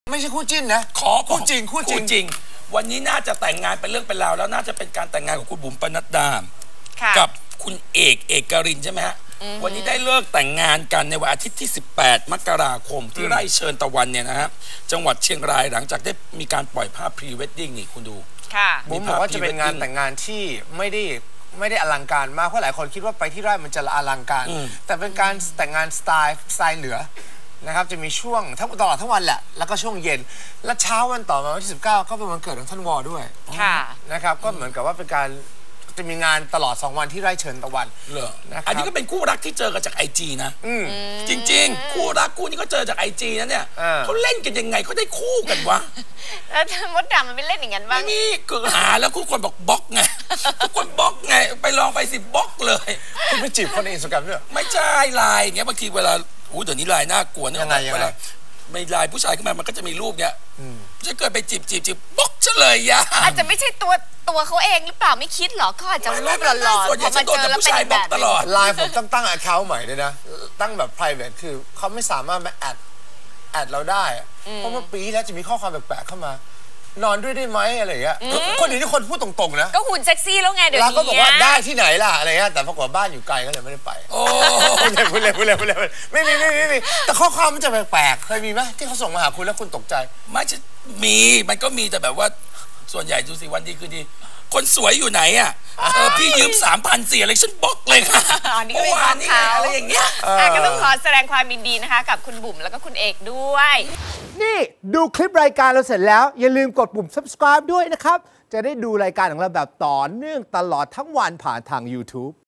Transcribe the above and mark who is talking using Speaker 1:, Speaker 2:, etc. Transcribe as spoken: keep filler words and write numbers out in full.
Speaker 1: ไม่ใช่คู่จิ้นนะ
Speaker 2: ขอ
Speaker 1: คู่จริงคู่จริง
Speaker 2: วันนี้น่าจะแต่งงานเป็นเรื่องเป็นราวแล้วน่าจะเป็นการแต่งงานของคุณบุ๋มปนัดดากับคุณเอกเอกรินใช่ไหมฮะวันนี้ได้เลิกแต่งงานกันในวันอาทิตย์ที่สิบแปดมกราคมที่ไร่เชิญตะวันเนี่ยนะฮะจังหวัดเชียงรายหลังจากได้มีการปล่อยภาพพรีเวดดิ้งนี่คุณดู
Speaker 1: บุ๋มบอกว่าจะเป็นงานแต่งงานที่ไม่ได้ไม่ได้อลังการมากเพราะหลายคนคิดว่าไปที่ไร่มันจะอลังการแต่เป็นการแต่งงานสไตล์สไตล์เหนือนะครับจะมีช่วงทั้งตลอดทั้งวันแหละแล้วก็ช่วงเย็นและเช้าวันต่อมาวันที่สิบเก้าก็เป็นวันเกิดของท่านวอด้วยนะครับก็เหมือนกับว่าเป็นการจะมีงานตลอดสองวันที่ไร่เชิญตะวัน
Speaker 2: เหรออันนี้ก็เป็นคู่รักที่เจอกันจากไอจีนะจริงๆคู่รักคู่นี้ก็เจอจากไอจีนะเนี่ยเขาเล่นกันยังไงเขาได้คู่กันวะ
Speaker 3: แล้วมดดำมันไม่เล่นอย่างนั้นบ้าง
Speaker 2: นี่คือหาแล้วทุกคนบอกบล็อกไงทุกคนบล็อกไงไปลองไปสิบล็อกเลย
Speaker 1: คุณไปจีบคนในอินสตาแกรมด้วย
Speaker 2: ไม่ใช่ไลน์อย่างเงี้ยบางทีเวลาอู้เดี๋ยวนี้ไลน์น่ากลัวนะ
Speaker 1: ยังไงยังไง
Speaker 2: ไม่ไลน์ผู้ชายขึ้นมามันก็จะมีรูปเนี้ยจะเกิดไปจีบจีบจีบบล็อกเฉลยยา
Speaker 3: อาจจะไม่ใช่ตัวตัวเขาเองหรือเปล่าไม่คิดหรอเขาอาจจะรูปหล่อๆพอมาเจอแล้วเป็นแบบ
Speaker 2: ตลอด
Speaker 1: ไลน์ผมต้องตั้ง account ใหม่ด้วยนะตั้งแบบ private คือเขาไม่สามารถมาแอดแอดเราได้เพราะว่าปีแล้วจะมีข้อความแปลกๆเข้ามานอนด้วยได้ไหมอะไรอย่างเงี้ยคนอื่นที่คนพูดตรงๆนะ
Speaker 3: ก็หุ่นเซ็กซี่แล้วไงเดี๋ยวนี้
Speaker 1: เราก็บอกว่าได้ที่ไหนล่ะอะไรเงี้ยแต่ปรากฏบ้านอยู่ไกลก็เลยไม่ได้ไปโอ้พูดเลยพูดเลยพูดเลยพูดเลยไม่มีไม่มีไม่มีแต่ข้อความมันจะแปลกๆเคยมีไหมที่เขาส่งมาหาคุณแล้วคุณตกใจ
Speaker 2: ไม่ใช่มีมันก็มีแต่แบบว่าส่วนใหญ่ดูสิวันดีคือดีคนสวยอยู่ไหนอ่ะเออพี่ยืมสามพันสี่อะไรฉันบล็อกเลยค่ะ
Speaker 3: เมื่อวานนี้
Speaker 2: อะไรอย่างเงี้ย
Speaker 3: ก็ต้องขอแสดงความยินดีนะคะกับคุณบุ๋มแล้วก็คุณเอกด้วย
Speaker 4: นี่ดูคลิปรายการเราเสร็จแล้วอย่าลืมกดปุ่ม ซับสไครบ์ ด้วยนะครับจะได้ดูรายการของเราแบบต่อเนื่องตลอดทั้งวันผ่านทาง ยูทูบ